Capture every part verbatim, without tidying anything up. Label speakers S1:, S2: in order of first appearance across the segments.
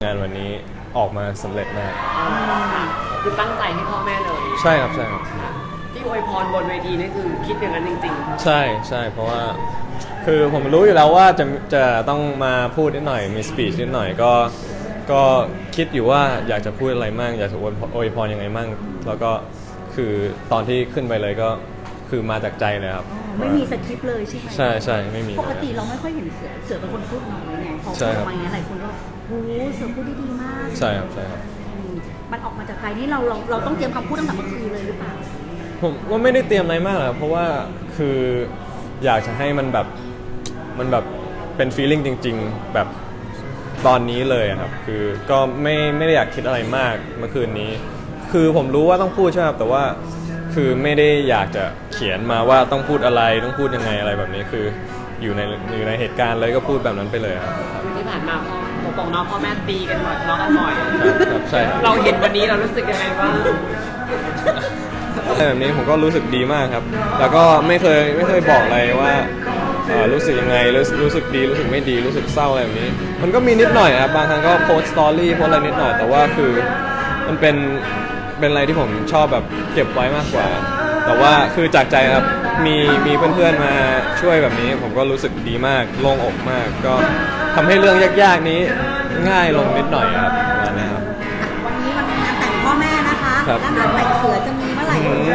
S1: งานวันนี้ออกมาสำเร็จมาก
S2: คือตั้งใจให้พ่อแม่เลย
S1: ใช่ครับใช่ครับ
S2: ที่อวยพรบนเวทีนี่คือคิดอย่างนั้นจริง
S1: ๆใช่ใช่เพราะว่าคือผมรู้อยู่แล้วว่าจะจะต้องมาพูดนิดหน่อยมีสปีชนิดหน่อยก็ก็คิดอยู่ว่าอยากจะพูดอะไรมั่งอยากจะอวยพรยังไงมั่งแล้วก็คือตอนที่ขึ้นไปเลยก็คือมาจากใจเลยครับ
S3: ไม่มีสคริปต์เลยใช่ไหม
S1: ใช่ใช่ไม่มี
S3: ปกติเราไม่ค่อยเห็นเสือเสือเป็นคนพูดน้อยไงพอพูดมาอย่างเงี้ยหลายคนก็โอ้เสือพูดได้ดีมาก
S1: ใช่ครับใช่ครับ
S3: มันออกมาจากใจนี่เราเราเราต้องเตรียมคำพูดตั้งแต่เมื่อคืนเลยหรือเปล่า
S1: ผมว่าไม่ได้เตรียมอะไรมากหรอกเพราะว่าคืออยากจะให้มันแบบมันแบบเป็น feeling จริงๆแบบตอนนี้เลยครับคือก็ไม่ไม่ได้อยากคิดอะไรมากเมื่อคืนนี้คือผมรู้ว่าต้องพูดใช่ไหมครับแต่ว่าคือไม่ได้อยากจะเขียนมาว่าต้องพูดอะไรต้องพูดยังไงอะไรแบบนี้คืออยู่ในอยู่ในเหตุการณ์เลยก็พูดแบบนั้นไปเลยครับ
S2: ที่ผ่านมาพ่อปกน้องพ่อแม่ตีกันบ่อยทะเลาะกันบ่อย
S1: ครับใช่ครับ
S2: เราเห็นวันนี้เรารู้สึกยังไงบ้าง
S1: แบบนี้ผมก็รู้สึกดีมากครับแล้วก็ไม่เคยไม่เคยบอกอะไรว่ารู้สึกยังไงรู้รู้สึกดีรู้สึกไม่ดีรู้สึกเศร้าอะไรแบบนี้มันก็มีนิดหน่อยครับบางครั้งก็โพสต์สตอรี่โพสอะไรนิดหน่อยแต่ว่าคือมันเป็นเป็นอะไรที่ผมชอบแบบเก็บไว้มากกว่าแต่ว่าคือจากใจครับมีมีเพื่อนๆมาช่วยแบบนี้ผมก็รู้สึกดีมากโล่งอกมากก็ทำให้เรื่องยากๆนี้ง่ายลงนิดหน่อยครับประมาณนี้ครับ
S3: วันนี้วันงานแต่งพ่อแม่นะคะแล้วงานแต่งเสือจะมีเมื่อไหร่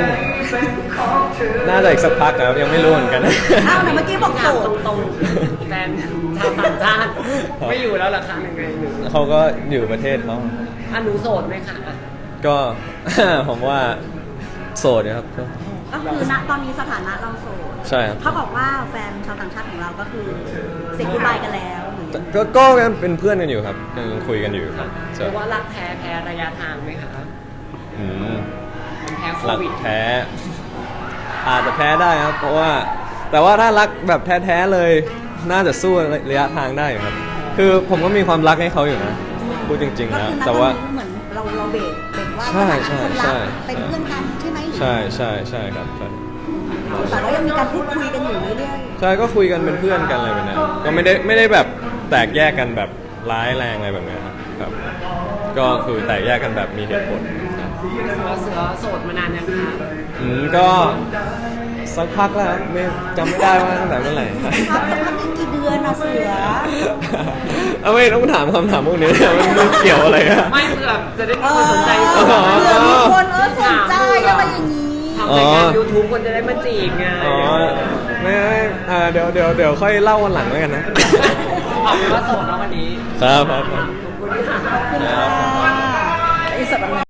S1: น่าจะอีกสักพักครับยังไม่รู้เหมือนกัน
S3: อ้าวเมื่อกี้บอกโสด
S2: ตรงๆแฟนชาวต่างชาติไม่อยู่แล้วหรอคะยังไงหนู
S1: เขาก็อยู่ประเทศเขา
S2: อ่ะหนูโสดไหมคะ
S1: ก็ผมว่าโสดนะครับ
S3: ก็คือณตอนนี้สถานะเราโสด
S1: ใช่ครับ
S3: เขาบอกว่าแฟนชาวต่างชาติของเราก็คือเซ็กกูบายกันแล้ว
S1: ก็ก็เป็นเพื่อนกันอยู่ครับยังคุยกันอยู่ครับ
S2: เรียกว่ารักแท้แพ้ระยะทางไหมคะ
S1: อืม
S2: แพ้โค
S1: รัก
S2: วิด
S1: แท้อาจจะแพ้ได้ครับเพราะว่าแต่ว่าถ้ารักแบบแท้ๆเลยน่าจะสู้ระยะทางได้ครับคือผมก็มีความรักให้เขาอยู่นะพูดจริงๆนะแต่ว่า
S3: เหมือนเราเราเบรกเบรกว่า
S1: ใช่ใช่ใช่
S3: เป็นเพื่อนกันใช่ไหม
S1: ใช่ใช่ใช่ครับ
S3: แต่ว่ายังมีการพูดคุยกันอยู่เรื่อย
S1: ๆใช่ก็คุยกันเป็นเพื่อนกันอะไรแบบนี้ก็ไม่ได้ไม่ได้แบบแตกแยกกันแบบร้ายแรงอะไรแบบนี้ครับก็คือแตกแยกกันแบบมีเหตุผล
S2: เสือโสดมานานยังคะ
S1: อืมก็สักพักแล้วไม่จำไม่ได้ว่าตั้งแต่เมื่อไหร่
S3: ครับสักพักนึงกี่เดือนนะเสือ
S1: เอาไม่ต้องถามคำถามพวกนี้มันเกี่ยวอะไรอะ
S2: ไม่เผื่อจะได้มีคนสนใจ
S3: เผื่อมีคนเออสนใจอะไรอย่างนี้
S2: ทำรายการยูทูบคนจะได้มาจีบไง
S1: อ๋อไม่ไม่เดี๋ยวเดี๋ยวเดี๋ยวค่อยเล่าวันหลังแล้วกันนะ
S2: ขอบคุณว่าโสดแล้ววันนี้
S1: ครับครับ
S3: ขอบคุณค่ะ